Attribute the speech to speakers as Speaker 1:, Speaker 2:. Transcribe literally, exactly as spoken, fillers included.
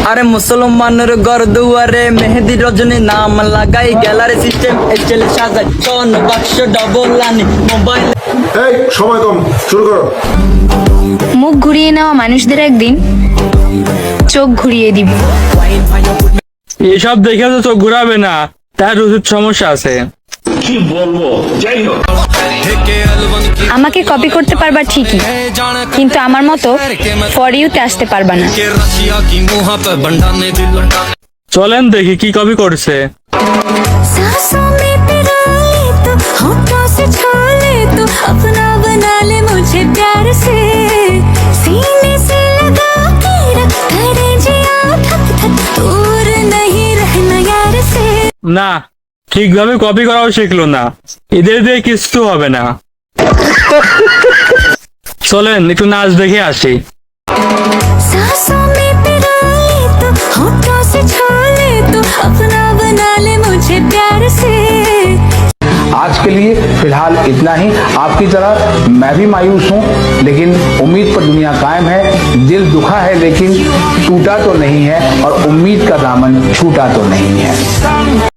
Speaker 1: আরে মুসলমানের ঘর দুয়ারে মেহেদি রজনী নাম লাগাই গ্যালারি সিস্টেম স্টাইল সাজাই কোন বাক্স ডবল আনি মোবাইল।
Speaker 2: এই সময় কম, শুরু করো।
Speaker 3: মুখ ঘুরিয়ে নেওয়া মানুষদের একদিন চোখ ঘুরিয়ে দিব।
Speaker 4: এসব দেখে তো চোখ ঘুরাবে না, তার রুচির সমস্যা আছে।
Speaker 2: কি বলবো, যাই হোক।
Speaker 3: আমাকে কপি করতে পারবা ঠিকই, কিন্তু আমার মতো ফর ইউতে আসতে পারবা না।
Speaker 4: চলেন দেখি কি কপি করছে।
Speaker 5: सांसों में तेरा ले तो होठों से छू ले तो अपना बना ले मुझे प्यार से सीने से लगा के रख करे जिया थक थक दूर नहीं रहना यार से।
Speaker 4: না, ঠিকভাবে কপি করাও শিখলো না, এদের দিয়ে কিছু হবে না। চলেন একটু নাচ দেখে আসি।
Speaker 5: सांसों में तेरा ले तो होठों से छू ले तो अपना बना ले मुझे प्यार से।
Speaker 6: आज के लिए फिलहाल इतना ही। आपकी तरह मैं भी मायूस हूँ, लेकिन उम्मीद पर दुनिया कायम है। दिल दुखा है लेकिन टूटा तो नहीं है, और उम्मीद का दामन छूटा तो नहीं है।